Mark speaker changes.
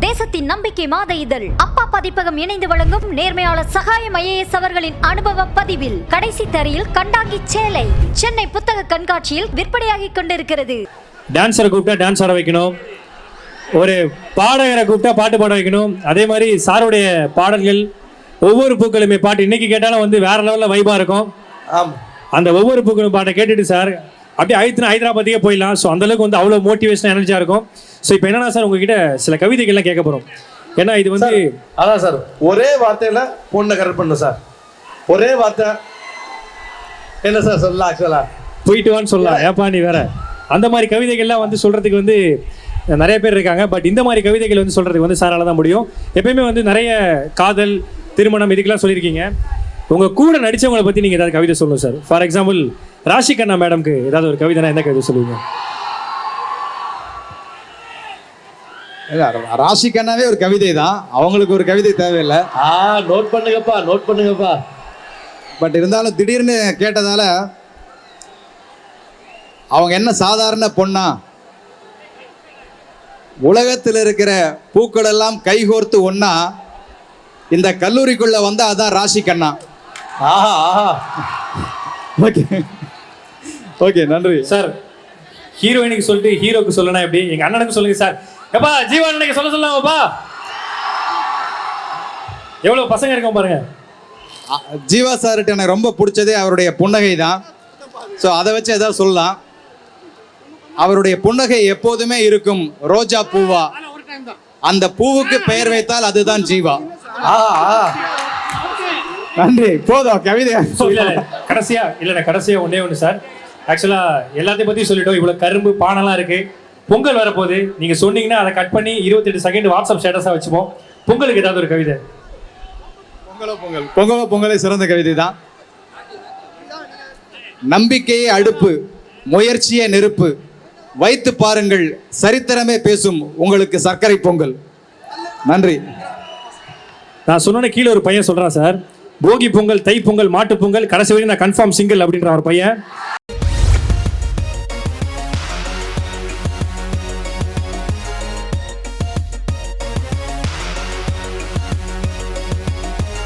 Speaker 1: தேசத்தின் நம்பிக்கை மாத இதழ் அப்பா பதிப்பகம் இணைந்து வழங்கும் நேர்மையாளர் சகாயம் IAS அவர்களின் அனுபவ பதிவில் கடைசி தரையில் கண்டாங்கி சேலை சென்னை புத்தக கண்காட்சியில் விற்பனையாகிக் கொண்டிருக்கிறது.
Speaker 2: டான்ஸரை கூப்பிட்டா டான்ஸ் ஆட வைக்கணும், ஒரு பாடகரை கூப்பிட்டா பாட்டு பாட வைக்கணும். அதே மாதிரி சாருடைய பாடல்கள் ஒவ்வொரு பூக்களுமே பாட்டு இன்னைக்கு கேட்டாலும் வந்து வேற லெவலில் வைபாக இருக்கும். அந்த ஒவ்வொரு பூக்களும் பாட்டை கேட்டுட்டு சார் அப்படியே ஹைதராபாத்துக்கே போயிடலாம். ஸோ அந்தளவுக்கு வந்து அவ்வளோ மோட்டிவேஷன் எனர்ஜியாக இருக்கும். ஸோ இப்போ என்னன்னா சார் உங்ககிட்ட சில கவிதைகள்லாம் கேட்க போகிறோம். ஏன்னா இது வந்து
Speaker 3: அதான் சார் ஒரே வார்த்தையில் பொண்ணை கரெக்ட் பண்ணணும் சார். ஒரே வார்த்தை என்ன சார் சொல்லலாம், ஆக்சுவலா
Speaker 2: போயிட்டு வான்னு சொல்லலாம். ஏப்பா நீ வேற அந்த மாதிரி கவிதைகள்லாம் வந்து சொல்கிறதுக்கு வந்து நிறைய பேர் இருக்காங்க. பட் இந்த மாதிரி கவிதைகள் வந்து சொல்கிறதுக்கு வந்து சாரால் தான் முடியும். எப்பயுமே வந்து நிறைய காதல் திருமணம் இதுக்கெல்லாம் சொல்லியிருக்கீங்க. உங்கள் கூட நடித்தவங்களை பற்றி நீங்கள் ஏதாவது கவிதை சொல்லணும் sir. For example Rashi Khanna மேடம்க்கு ஏதாவது ஒரு கவிதைனா என்ன கவிதை சொல்லுவீங்க?
Speaker 4: ராஷி கண்ணாவே ஒரு கவிதை தான், அவங்களுக்கு ஒரு கவிதை தேவையில்லை.
Speaker 3: நோட் பண்ணுங்கப்பா.
Speaker 4: பட் இருந்தாலும் திடீர்னு கேட்டதால அவங்க என்ன சாதாரண பொண்ணா, உலகத்தில் இருக்கிற பூக்கள் எல்லாம் கைகோர்த்து ஒன்னா இந்த கல்லூரிக்குள்ள வந்து அதான் ராஷி கண்ணா. ஓகே ஓகே நன்றி
Speaker 2: சார். ஹீரோயினுக்கு சொல்லிட்டு ஹீரோக்கு சொல்லணும் எப்படி? எங்க அண்ணனுக்கு சொல்லுங்க சார். எப்பா ஜீவா அண்ணனுக்கு சொல்ல சொல்லாமப்பா. எவ்வளவு பசங்க இருக்கோம் பாருங்க.
Speaker 4: ஜீவா சார்கிட்ட எனக்கு ரொம்ப பிடிச்சதே அவருடைய புன்னகை தான். ஸோ அதை வச்சு ஏதாவது சொல்லலாம். அவருடைய புன்னகை எப்போதுமே இருக்கும் ரோஜா பூவா, அந்த பூவுக்கு பெயர் வைத்தால் அதுதான் ஜீவா. நன்றி, போதும் கவிதை.
Speaker 2: கடைசியா ஒண்ணே ஒன்று சார். ஆக்சுவலா எல்லாத்தையும் பத்தி சொல்லிட்டோம். இவ்வளவு கரும்பு பானெல்லாம் இருக்கு. பொங்கல் வரப்போகுது. நீங்க சொன்னீங்கன்னா அதை கட் பண்ணி 28 செகண்ட் வாட்ஸ்அப் ஸ்டேட்டஸா வச்சுப்போம். பொங்கலுக்கு ஏதாவது ஒரு கவிதை.
Speaker 4: பொங்கலோ சிறந்த கவிதை தான். நம்பிக்கையே அடுப்பு, முயற்சியே நெருப்பு, வைத்து பாருங்கள் சரித்திரமே பேசும் உங்களுக்கு சர்க்கரை பொங்கல். நன்றி.
Speaker 2: நான் சொன்ன கீழே ஒரு பையன் சொல்றான் சார், போகி பொங்கல், தை பொங்கல், மாட்டு பொங்கல், கடைசி வரைக்கும் நான் கன்ஃபார்ம் சிங்கிள் அப்படின்ற ஒரு பையன்.